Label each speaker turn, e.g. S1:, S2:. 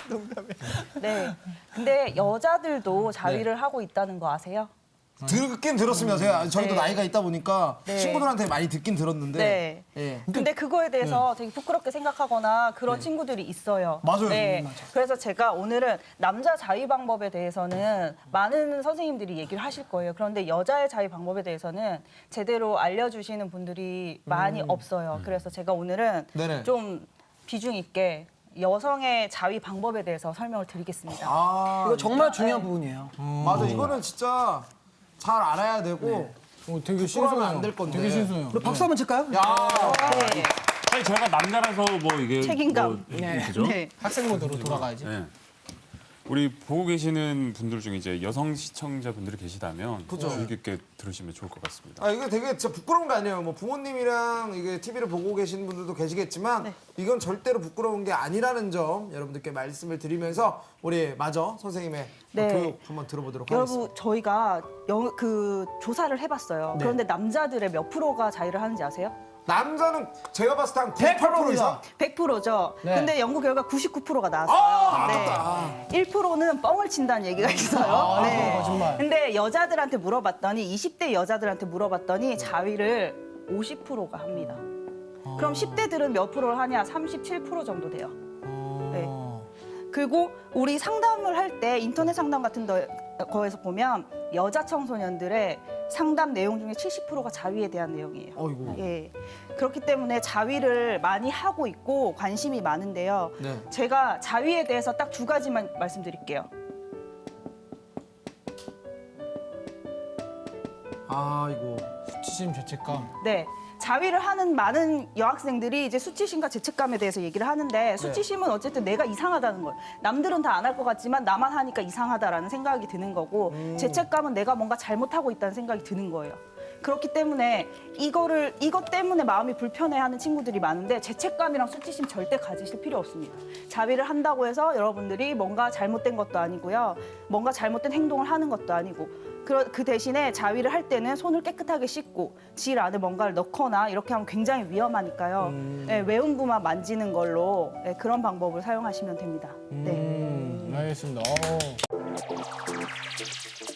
S1: 네. 근데 여자들도 자위를 하고 있다는 거 아세요?
S2: 듣긴 들었습니다. 저희도
S1: 네.
S2: 나이가 있다 보니까
S1: 네.
S2: 친구들한테 많이 듣긴 들었는데.
S1: 네.
S2: 예.
S1: 근데 그거에 대해서 되게 부끄럽게 생각하거나 그런 친구들이 있어요.
S2: 맞아요.
S1: 네.
S2: 맞아요.
S1: 그래서 제가 오늘은 남자 자위 방법에 대해서는 많은 선생님들이 얘기를 하실 거예요. 그런데 여자의 자위 방법에 대해서는 제대로 알려주시는 분들이 많이 없어요. 그래서 제가 오늘은
S2: 네네.
S1: 좀 비중 있게 여성의 자위 방법에 대해서 설명을 드리겠습니다.
S2: 아,
S3: 이거 정말 중요한 부분이에요.
S2: 맞아. 이거는 진짜 잘 알아야 되고.
S4: 되게
S2: 부끄러우면
S4: 신선해요.
S2: 안 될 건데.
S4: 되게 신선해요.
S3: 우리 박수 한번 칠까요?
S2: 야,
S1: 네.
S5: 아니 저희가 남자라서 뭐 이게
S1: 책임감.
S5: 그죠?
S1: 네.
S4: 학생 모드로 돌아가야지.
S5: 네. 우리 보고 계시는 분들 중에 이제 여성 시청자분들이 계시다면
S2: 그죠.
S5: 주의 깊게 들으시면 좋을 것 같습니다.
S2: 아, 이게 되게 진짜 부끄러운 게 아니에요. 뭐 부모님이랑 이게 TV를 보고 계시는 분들도 계시겠지만
S1: 네.
S2: 이건 절대로 부끄러운 게 아니라는 점 여러분들께 말씀을 드리면서 우리 마저 선생님의
S1: 네.
S2: 교육 한번 들어보도록
S1: 여러분
S2: 하겠습니다.
S1: 저희가 그 조사를 해봤어요. 그런데 남자들의 몇 프로가 자위를 하는지 아세요?
S2: 남자는 제가 봤을 때 한 98% 이상?
S1: 100%죠.
S4: 네.
S1: 근데 연구 결과 99%가 나왔어요.
S2: 아깝다.
S1: 1%는 뻥을 친다는 얘기가 있어요. 네.
S4: 거짓말.
S1: 근데 여자들한테 물어봤더니 20대 여자들한테 물어봤더니 자위를 50%가 합니다. 그럼 10대들은 몇 프로를 하냐? 37% 정도 돼요. 네. 그리고 우리 상담을 할 때 인터넷 상담 같은 거에서 보면 여자 청소년들의 상담 내용 중에 70%가 자위에 대한 내용이에요.
S2: 어이구.
S1: 예. 그렇기 때문에 자위를 많이 하고 있고 관심이 많은데요.
S2: 네.
S1: 제가 자위에 대해서 딱 두 가지만 말씀드릴게요.
S2: 아이고.
S4: 수치심, 죄책감.
S1: 네. 자위를 하는 많은 여학생들이 이제 수치심과 죄책감에 대해서 얘기를 하는데 수치심은 어쨌든 내가 이상하다는 거예요. 남들은 다 안 할 것 같지만 나만 하니까 이상하다라는 생각이 드는 거고 죄책감은 내가 뭔가 잘못하고 있다는 생각이 드는 거예요. 그렇기 때문에 이것 때문에 마음이 불편해하는 친구들이 많은데 죄책감이랑 수치심 절대 가지실 필요 없습니다. 자위를 한다고 해서 여러분들이 뭔가 잘못된 것도 아니고요. 뭔가 잘못된 행동을 하는 것도 아니고 그 대신에 자위를 할 때는 손을 깨끗하게 씻고 질 안에 뭔가를 넣거나 이렇게 하면 굉장히 위험하니까요. 네, 외음부만 만지는 걸로 네, 그런 방법을 사용하시면 됩니다. 네.
S4: 알겠습니다.